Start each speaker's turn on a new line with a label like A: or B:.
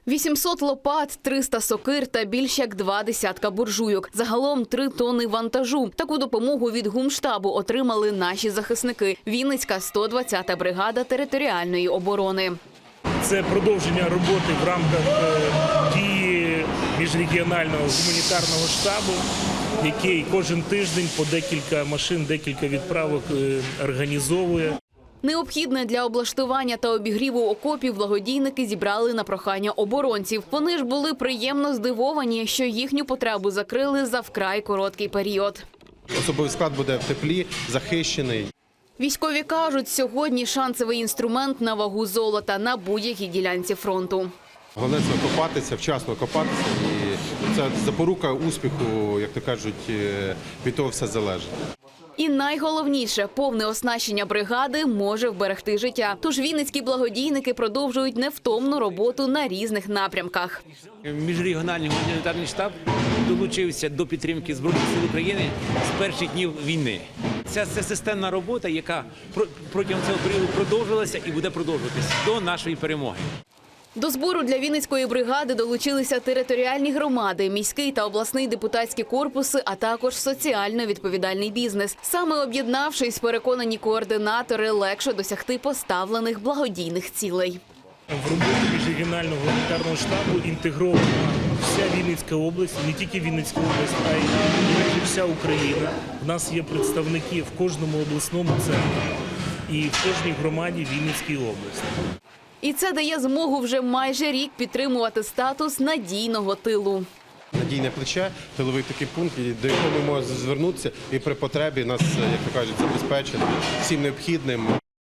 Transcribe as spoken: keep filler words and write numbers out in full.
A: вісімсот лопат, триста сокир та більш як два десятка буржуйок. Загалом три тонни вантажу. Таку допомогу від гумштабу отримали наші захисники. Вінницька сто двадцята бригада територіальної оборони.
B: Це продовження роботи в рамках е, дії міжрегіонального гуманітарного штабу, який кожен тиждень по декілька машин, декілька відправок е, організовує.
A: Необхідне для облаштування та обігріву окопів благодійники зібрали на прохання оборонців. Вони ж були приємно здивовані, що їхню потребу закрили за вкрай короткий період.
C: Особовий склад буде в теплі, захищений.
A: Військові кажуть, сьогодні шансовий інструмент на вагу золота на будь-якій ділянці фронту.
C: Головне – це копатися, вчасно копатися. І це запорука успіху, як то кажуть, від того все залежить.
A: І найголовніше – повне оснащення бригади може вберегти життя. Тож вінницькі благодійники продовжують невтомну роботу на різних напрямках.
D: Міжрегіональний гуманітарний штаб долучився до підтримки Збройних сил України з перших днів війни. Ця це системна робота, яка протягом цього періоду продовжилася і буде продовжуватися до нашої перемоги.
A: До збору для Вінницької бригади долучилися територіальні громади, міський та обласний депутатські корпуси, а також соціально відповідальний бізнес. Саме об'єднавшись, переконані координатори, легше досягти поставлених благодійних цілей.
B: В роботу міжрегіонального гуманітарного штабу інтегрована вся Вінницька область, не тільки Вінницька область, а й майже вся Україна. У нас є представники в кожному обласному центрі і в кожній громаді Вінницької області.
A: І це дає змогу вже майже рік підтримувати статус надійного тилу.
C: Надійне плече, тиловий такий пункт, до якого ми можемо звернутися і при потребі нас, як то кажуть, забезпечити всім необхідним.